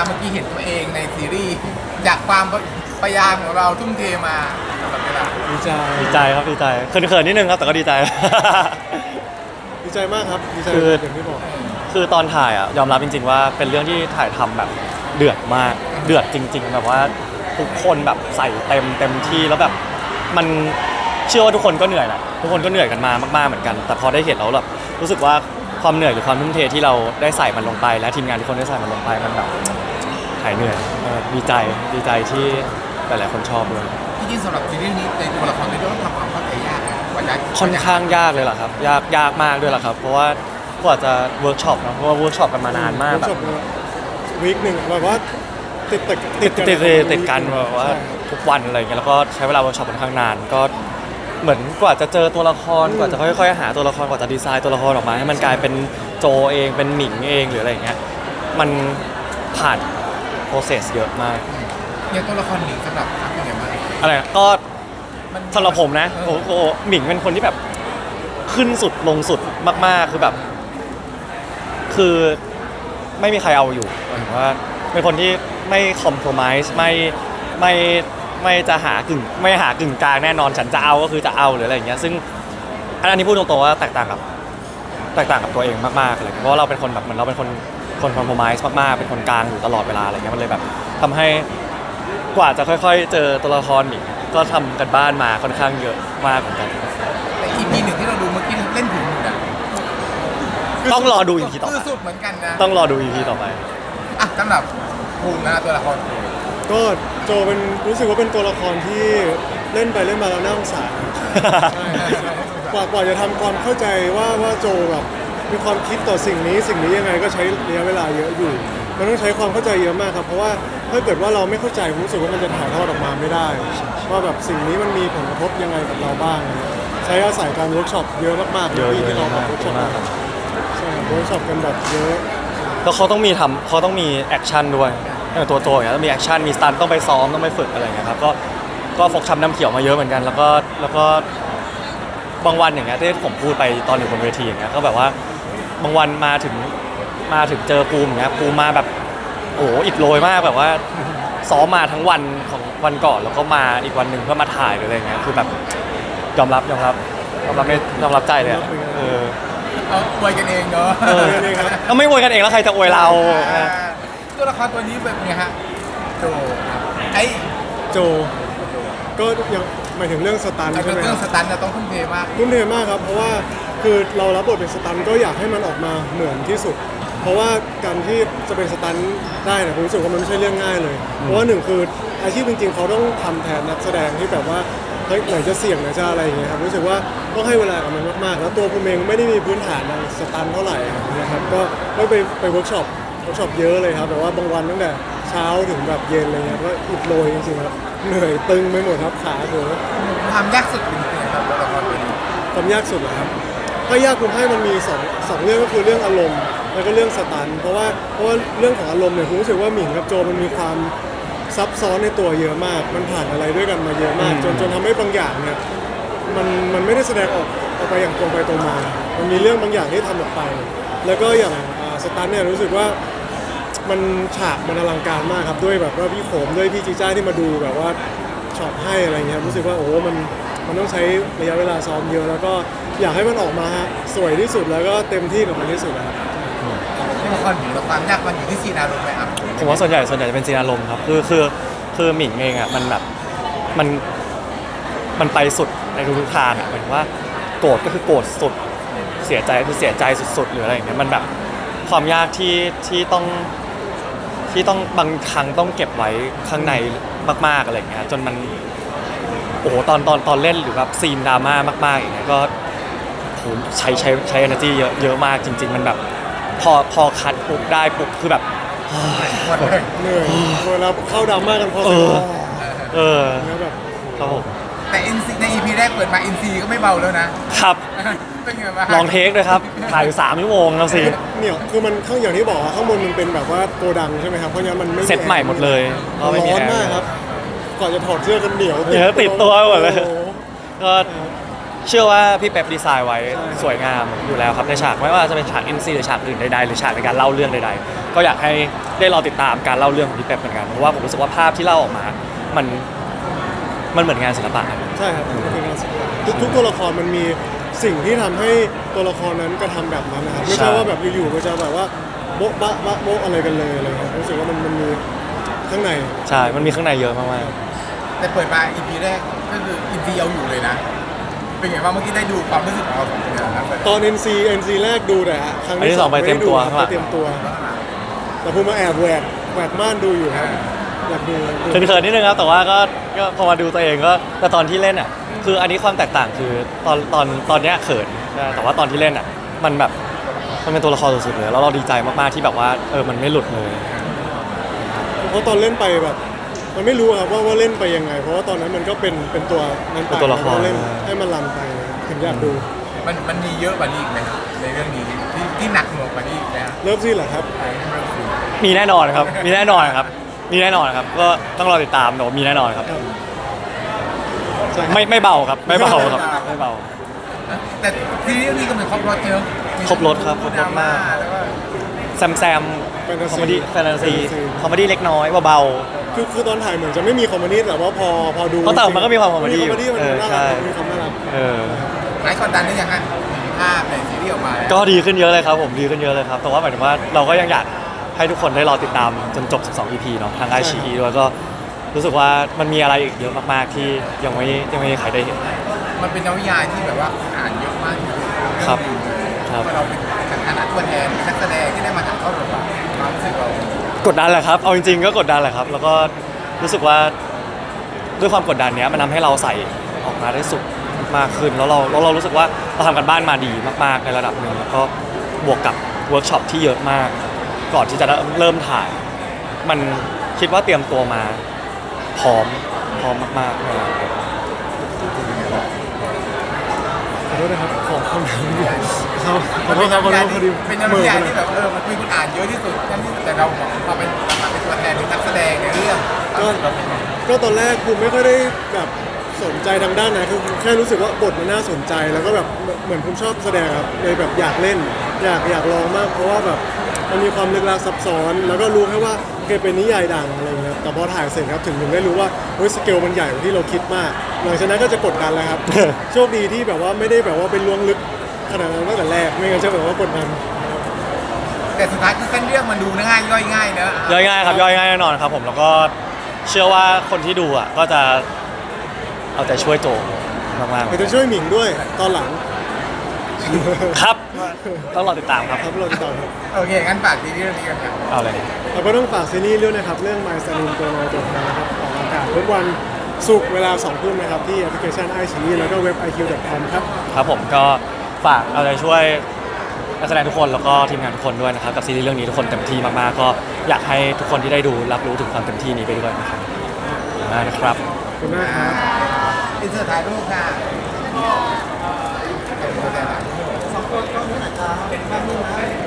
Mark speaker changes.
Speaker 1: เมื่อกี้เห็นตัวเองในซีรีส์จากความพยายามของเราทุ่มเทมาตลอดเวลา
Speaker 2: ดีใจ
Speaker 3: ดีใจครับดีใจเขินๆนิดนึงครับแต่ก็ดีใจ
Speaker 2: ดีใจมากครับดีใจอย่างที่บอก
Speaker 3: คือตอนถ่ายอ่ะยอมรับจริงๆว่าเป็นเรื่องที่ถ่ายทำแบบเดือดมากเดือดจริงๆแบบว่าทุกคนแบบใส่เต็มที่แล้วแบบมันเชื่อว่าทุกคนก็เหนื่อยแหละทุกคนก็เหนื่อยกันมามากๆเหมือนกันแต่พอได้เห็นแล้วแบบรู้สึกว่าความเหนื่อยหรือความทุ่มเทที่เราได้ใส่มันลงไปและทีมงานทุกคนได้ใส่มันลงไปมันแบบหายเหนื่อยดีใจที่หลายๆคนชอบด้วย
Speaker 1: ที่จริงสำหรับซีรีส์นี้ในตัวละครในเรื่องทำความเข้าใจยากนะกว่าจะ
Speaker 3: ค่อนข้างยากเลยล่ะครับยากมากด้วยล่ะครับเพราะว่ากว่าจะเวิร์กช็อปเนาะเพราะว่าเวิร์กช็อปกันมานานมากแบบ
Speaker 2: วีคหนึ่งแบบว่าติด
Speaker 3: กันแบบว่าทุกวันอะไรเงี้ยแล้วก็ใช้เวลาเวิร์กช็อปค่อนข้างนานก็เหมือนกว่าจะเจอตัวละครกว่าจะค่อยๆหาตัวละครกว่าจะดีไซน์ตัวละครออกมาให้มันกลายเป็นโจเองเป็นหมิงเองหรืออะไรเงี้ยมันผ่านโปรเซสเยอะมาก
Speaker 1: อย่างตัวละครหนิงสำหรับทักเป็นไงบ้าง
Speaker 3: อะไรก็สำหรับผมนะโอ้โหหมิงเป็นคนที่แบบขึ้นสุดลงสุดมากๆคือแบบคือไม่มีใครเอาอยู่หมายถึงว่าเป็นคนที่ไม่คอมโพรไมซ์ไม่จะหากึ่งกลางแน่นอนฉันจะเอาก็คือจะเอาหรืออะไรอย่างเงี้ยซึ่งอันนี้พูดตรงๆว่าแตกต่างกับตัวเองมากๆเลยเพราะว่าเราเป็นคนแบบเหมือนเราเป็นคนคอมโพรไมซ์มากๆเป็นคนกลางอยู่ตลอดเวลาอะไรเงี้ยมันเลยแบบทำให้กว่าจะค่อยๆเจอตัวละครอีกก็ทำกันบ้านมาค่อนข้างเยอะมากเหมือนกัน
Speaker 1: แต่ EP 1ที่เราดูเมื่อกี้เล่นถึงนะ
Speaker 3: ต้องรอดู EP ต่อไป
Speaker 1: สุดเหมือนกันนะ
Speaker 3: ต้องรอดู EP ต่อไป
Speaker 1: อ่ะสำหรับภูมินะตัวละคร
Speaker 2: ก็โจเป็นรู้สึกว่าเป็นตัวละครที่เล่นไปเล่นมาแล้วน่าสงสารกว่าจะทำความเข้าใจว่าโจแบบมีความคิดต่อสิ่งนี้ยังไงก็ใช้ระยะเวลาเยอะอยู่มันต้องใช้ความเข้าใจเยอะมากครับเพราะว่าถ้าเกิดว่าเราไม่เข้าใจผมรู้สึกว่ามันจะถ่ายทอดออกมาไม่ได้ว่าแบบสิ่งนี้มันมีผลกระทบยังไงกับเราบ้างใช้อาศัยการเวิร์กช็อปเยอะมากๆที่เราแบบเวิร์กช็อปใช่เวิร์กช็อปกันแบบเยอะ
Speaker 3: แล้วเขาต้องมีแอคชั่นด้วยตัวโจอย่างเงี้ยต้องมีแอคชั่นมีสตันต้องไปซ้อมต้องไปฝึกอะไรอย่างเงี้ยครับก็ฟกช้ำน้ำเขียวมาเยอะเหมือนกันแล้วก็บางวันอย่างเงี้ยที่ผมพูดไปตอนอยู่บนเวทีอย่างเงี้ยก็แบบว่าบางวันมาถึงเจอภูมิอย่างเงี้ยภูมิมาแบบโอ้อิดโรยมากแบบว่าซ้อมมาทั้งวันของวันก่อนแล้วก็มาอีกวันหนึ่งเพื่อมาถ่ายหรืออะไรเงี้ยคือแบบยอมรับใจเลย
Speaker 1: อวยกันเองเนาะ
Speaker 3: ก็ไม่อวยกันเองแล้วใครจะอวยเรา
Speaker 1: ตัวละครตัวนี้แบบไงฮะโจ
Speaker 2: โจก็ยังหมายถึงเรื่องสตันใช่ไหม
Speaker 1: เรื่องสตันจะต้องทุ่มเทมาก
Speaker 2: ครับเพราะว่าคือเรารับบทเป็นสตันก็อยากให้มันออกมาเหมือนที่สุดเพราะว่าการที่จะเป็นสตันได้เนี่ยผมรู้สึกว่ามันไม่ใช่เรื่องง่ายเลยเพราะว่าหนึ่งคืออาชีพจริงๆเขาต้องทำแทนนักแสดงที่แบบว่าเฮ้ยไหนจะเสี่ยงไหนจะอะไรอย่างเงี้ยครับรู้สึกว่าต้องให้เวลากับมันมากๆแล้วตัวผมเองไม่ได้มีพื้นฐานในสตันเท่าไหร่นะครับก็ไปเวิร์กช็อปเยอะเลยครับแต่ว่าบางวันตั้งแต่เช้าถึงแบบเย็นอะไรเงี้ยก็อิดโรยจริงๆครับเหนื่อยตึงไปหมดครับขาเถอะ
Speaker 1: ความยากสุดเป็นยังไงครับตัวละครตัวนี้
Speaker 2: ความยากสุดเหรอครับถ้ายากผมให้มันมีสองเรื่องก็คือเรื่องอารมณ์แล้วก็เรื่องสตันเพราะว่าเรื่องของอารมณ์เนี่ยผมรู้สึกว่าหมิงกับโจมันมีความซับซ้อนในตัวเยอะมากมันผ่านอะไรด้วยกันมาเยอะมากจนทำให้บางอย่างเนี่ยมันไม่ได้แสดงออกไปอย่างตรงไปตรงมามันมีเรื่องบางอย่างที่ทำออกไปแล้วก็อย่างสตันเนี่ยรู้สึกว่ามันฉากมันอลังการมากครับด้วยแบบว่าพี่โขมด้วยพี่จีจ้าที่มาดูแบบว่าช็อตให้อะไรเงี้ยรู้สึกว่าโอ้มันต้องใช้ระยะเวลาซ้อมเยอะแล้วก็อยากให้มันออกมาสวยที่สุดแล้วก็เต็มที่กับมันที่สุดนะครับ
Speaker 1: ละครหมิงแล้วความยากมันอยู่ที่ซีนอารมณ์ไหมครับ
Speaker 3: ผมว่าส่วนใหญ่จะเป็นซีนอารมณ์ครับคือหมิงเองอ่ะมันแบบมันไปสุดในทุกทางอ่ะหมายถึงว่าโกรธก็คือโกรธสุดเสียใจคือเสียใจสุดๆหรืออะไรอย่างเงี้ยมันแบบความยากที่ต้องบางครั้งต้องเก็บไว้ข้างในมากๆอะไรอย่างเงี้ยจนมันโอ้โหตอนเล่นหรือแบบซีนดราม่ามากๆอย่างเงี้ยก็โหใช้ energy เยอะมากจริงๆมันแบบพอคัดปุ๊บได้ปุ๊บคือแบบ
Speaker 2: เหนื่อยเวลาเข้าดราม่ากันพอสมควรแล้วแบบ
Speaker 3: ครับผม
Speaker 1: แต่ NC ใน EP แรกเปิดมา NC ก็ไม่เบาแล้วนะครับเป็นไงบ้าง
Speaker 3: ลองเทคด้วยครับถ่ายอยู่3 ชั่วโมงแล้วสิ
Speaker 2: เนี่ยคือมันข้างอย่างที่บอกข้างบนมันเป็นแบบว่าโกดังใช่ไหมครับเพราะงั้นมันไม่
Speaker 3: เซตใหม่หมดเลย
Speaker 2: ร้อนมากครับก่อนจะถอดเสื้อกันเหนียว
Speaker 3: ติดตัวหมดเลยก็เชื่อว่าพี่เป๊ปดีไซน์ไว้
Speaker 2: ใช่
Speaker 3: สวยงามอยู่แล้วครับในฉากไม่ว่าจะเป็นฉาก NC หรือฉากอื่นใดๆหรือฉากในการเล่าเรื่องใดๆก็อยากให้ได้รอติดตามการเล่าเรื่องของพี่เป๊ปเหมือนกันเพราะว่าผมรู้สึกว่าภาพที่เล่าออกมามันเหมือนงานศิลปะครับ
Speaker 2: ใช่ครับมันคืองานศิลปะทุกตัวละครมันมีสิ่งที่ทำให้ตัวละครนั้นกระทำแบบนั้นนะครับไม่ใช่ว่าแบบอยู่ๆมันจะแบบว่าโบ๊ะบะบะโบ๊ะอะไรกันเลยอะไรครับรู้สึกว่ามันมีข้างใน
Speaker 3: ใช่ มันมีข้างในเยอะมาก
Speaker 1: แต่เปิดมา EP แรกก็คือ EP เอาอยู่เลยนะ เป็นไงบ้างเมื่อกี้ได้ดูความรู้สึกของเราสองคนนะครับ
Speaker 2: ตอน NC แรกดูแต่ครั้ง
Speaker 3: อันที่สองไปเตรียมตัว
Speaker 2: ไปเตรียมตัวแต่ผมมาแอบแหวกม่านดูอยู่ครับอยากดู
Speaker 3: ๆเขินๆนิดนึงครับ แต่ว่าก็พอมาดูตัวเองก็แต่ตอนที่เล่นอ่ะ คืออันนี้ความแตกต่างคือตอนเนี้ยเขินนะแต่ว่าตอนที่เล่นอ่ะ มันแบบมันเป็นตัวละครสุดๆเลย แล้วเราดีใจมากๆที่แบบว่ามันไม่หลุดเลย
Speaker 2: เพราะตอนเล่นไปแบบมันไม่รู้ครับว่าเล่นไปยังไง เพราะว่าตอนนั้นมันก็เป็นตัวนั้นไป
Speaker 3: เป็นตัวละคร
Speaker 2: เล่นให้มันรันไปถึงอยากดู
Speaker 1: มันมีเยอะกว่านี้อีกไหมครับในเรื่องนี้ที่หนักหน่วงกว่านี้อีกไหมครับ
Speaker 2: เลิฟซีนเหรอครับ
Speaker 3: มีแน่นอนครับ มีแน่นอนครับ มีแน่นอนครับ ก็ต้องรอติดตามแต่ว่ามีแน่นอนครับ
Speaker 2: ใช่ครับ
Speaker 3: ไม่เบาครับ ไม่เบาครับ ไม่เบา
Speaker 1: แต่ซีรีส์นี้ก็เหมือนครบรถเยอะ
Speaker 3: ครบรสครับครบรสมาก
Speaker 1: แล้วก็
Speaker 3: แซมคอมเมดี้แฟนตาซี
Speaker 2: Fantasy
Speaker 3: คอมเมดี้เล็กน้อยเบา
Speaker 2: คือตอนถ่ายเหมือนจะไม่มีคอมเมดี้แต่ว่าพอดู
Speaker 3: เพราะแต่มันก็มีความคอมเมดี้
Speaker 2: คอมเมดี้มัน
Speaker 3: เออ
Speaker 2: น่า
Speaker 3: ใช่
Speaker 2: รักมีความน่ารัก
Speaker 3: เออ
Speaker 1: หลายกดดันได้ยังฮะภาพในซีรีส์ออกมาแล้ว
Speaker 3: ก็ดีขึ้นเยอะเลยครับผมดีขึ้นเยอะเลยครับแต่ว่าหมายถึงว่าเราก็ยังอยากให้ทุกคนได้รอติดตามจนจบ 12 EP เนาะทางไอชีด้วยก็รู้สึกว่ามันมีอะไรอีกเยอะมากๆที่ยังไม่มีใครได้เห็น
Speaker 1: มันเป็นนวนิยายที่แบบว่าอ่านเยอะมากที่สุด
Speaker 3: ครับ
Speaker 1: เองนี้
Speaker 3: ครับ
Speaker 1: เพราะเราเป็นฐานะตัวแทนเป็นนักแสดงที่ได้มาถ่ายทอดบทบาทความรู้สึกเรา
Speaker 3: กดดันแหละครับเอาจริงๆก็กดดันแหละครับ แล้วก็รู้สึกว่าด้วยความกดดันเนี้ยมันทำให้เราใส่ออกมาได้สุดมากขึ้นแล้วเรารู้สึกว่าเราทำกันบ้านมาดีมากๆในระดับหนึ่งแล้วก็บวกกับเวิร์กช็อปที่เยอะมาก ก่อนที่จะเริ่มถ่าย มันคิดว่าเตรียมตัวมาพร้อมมากๆนะครับ
Speaker 2: ขอโทษนะครับขอคำถามเดียวเขาขอโทษครับขอโทษพอดี
Speaker 1: เป็นนวนิยายที่แบบมันมีคนอ่านเยอะที่สุดแต่เรามาเป็นตัวแทนเป็นนักแสดงในเรื่องเราเป็นไง
Speaker 2: ก็ตอนแรกภูมิไม่ค่อยได้แบบสนใจทางด้านนั้นคือแค่รู้สึกว่าบทมันน่าสนใจแล้วก็แบบเหมือนภูมิชอบแสดงครับเลยแบบอยากเล่นอยากลองมากเพราะว่าแบบมันมีความลึกลับซับซ้อน แล้วก็รู้แค่ว่าเคยเป็นนิยายดังอะไรอย่างเงี้ยแต่พอถ่ายเสร็จครับถึงได้รู้ว่าเฮ้ยสเกลมันใหญ่กว่าที่เราคิดมากหลังจากนั้นก็จะกดดันแล้วครับ โชคดีที่แบบว่าไม่ได้แบบว่าเป็นล้วงลึกขนาดนั้นตั้งแต่แรกไม่งั้นจะแบบว่ากดดัน
Speaker 1: แต่สุดท้ายคือเส้นเรื่องมันดูง่ายย่อยง่ายเนอะ
Speaker 3: ย่อยง่ายครับย่อยง่ายแน่นอนครับผมแล้วก็เชื่อว่าคนที่ดูอ่ะก็จะเอาใจช่วยโจมากๆ
Speaker 2: แต่จะช่วยหมิงด้วยตอนหลัง
Speaker 3: ครับต้องรอติดตามครับ
Speaker 2: ครับเราติดต่อครับ
Speaker 1: โอเคงั้นฝากซีรีส์เรื่องนี้กันครับ
Speaker 3: เอาเลย
Speaker 2: เราก็ต้องฝากซีรีส์ด้วยนะครับ เรื่อง My s a l o n ตัวน้อยตัวแทนนะครับออกอากาศทุกวันศุกร์เวลา 2 ทุ่มนะครับ ที่แอปพลิเคชัน iQIYI แล้วก็เว็บ iq.com ครับ
Speaker 3: ครับผมก็ฝากเอาใจช่วยนักแสดงทุกคนแล้วก็ทีมงานทุกคนด้วยนะครับกับซีรีส์เรื่องนี้ทุกคนเต็มที่มากๆก็อยากให้ทุกคนที่ได้ดูรับรู้ถึงความเต็มที่นี้ไปด้วยนะครับขอบคุณมากนะครับ
Speaker 2: ขอบคุณมากครับ
Speaker 1: อินเสิร์ตถ่ายรูปค่ะเป็นตัวแทนถ่ายรูป